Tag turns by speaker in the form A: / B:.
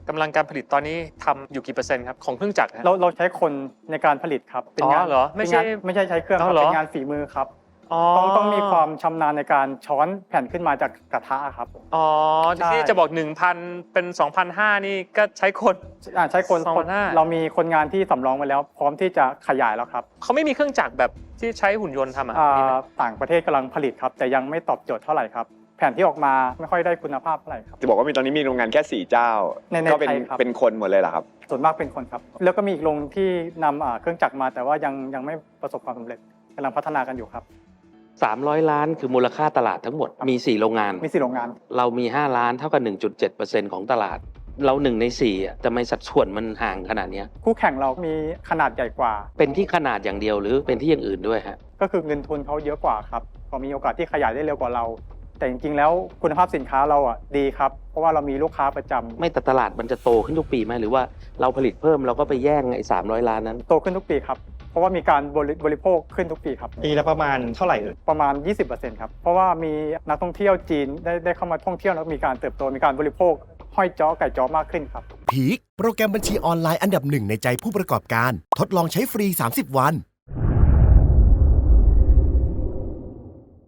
A: กำลังการผลิตตอนนี้ทำอยู่กี่เปอร์เซ็นต์ครับของเครื่องจักรฮะ
B: เราใช้คนในการผลิตครับเป็นงาน
A: เหรอไม่ใช่
B: ไม่ใช่ใช้เครื่องครับ
A: เหรอ
B: เป็นงานฝีมือครับต้องมีความชำนาญในการช้อนแผ่นขึ้นมาจากกระทะครับ
A: อ๋อ
B: ใช่
A: ที่จะบอก 1,000 เป็น 2,500 นี่ก็ใช้คน
B: ใช้คน
A: 2,500
B: เรามีคนงานที่สำรองไว้แล้ว พร้อมที่จะขยายแล้วครับ
A: เขาไม่มีเครื่องจักรแบบที่ใช้หุ่นยนต์ทำอ่ะมีไหม
B: ต่างประเทศกำลังผลิตครับ แต่ยังไม่ตอบโจทย์เท่าไหร่ครับแผ่นที่ออกมาไม่ค่อยได้คุณภาพเท่าไหร่ครับ
C: จะบอกว่ามีตอนนี้มีโรงงานแค่4เจ้า
B: ใน
C: ก็เป็น
B: ไทยครับ
C: เป็นคนหมดเลยเหรอครับ
B: ส่วนมากเป็นคนครับแล้วก็มีอีกโรงที่นำเครื่องจักรมา แต่ว่ายังไม่ประสบความสำเร็จกำลังพัฒนากันอยู่ครับ
D: 300 ล้านคือมูลค่าตลาดทั้งหมดมี4โรงงาน
B: มี4โรงงาน
D: เรามี5ล้านเท่ากับ 1.7% ของตลาด เรา1ใน4อ่ะทำไมสัดส่วนมันห่างขนาดเนี้ย
B: คู่แข่งเรามีขนาดใหญ่กว่า
D: เป็นที่ขนาดอย่างเดียวหรือเป็นที่อย่างอื่นด้วยฮะ
B: ก็คือเงินทุนเขาเยอะกว่าครับก็มีโอกาสที่ขยายได้เร็วกว่าเรา แต่จริงๆแล้วคุณภาพสินค้าเราดีครับเพราะว่าเรามีลูกค้าประจำ
D: ไม่แต่ตลาดมันจะโตขึ้นทุกปีไหมหรือว่าเราผลิตเพิ่มเราก็ไปแย่งไอ้300 ล้านนั้น
B: โตขึ้นทุกปีครับเพราะว่ามีการบริโภคขึ้นทุกปีครับ
E: ปีละประมาณเท่าไหร่เอ่ย
B: ประมาณ 20%ครับเพราะว่ามีนักท่องเที่ยวจีนได้เข้ามาท่องเที่ยวแล้วมีการเติบโตมีการบริโภคห้อยจ้อไก่จ้อมากขึ้นครับ
F: พีคโปรแกรมบัญชีออนไลน์อันดับหนึ่งในใจผู้ประกอบการ ทดลองใช้ฟรี 30 วัน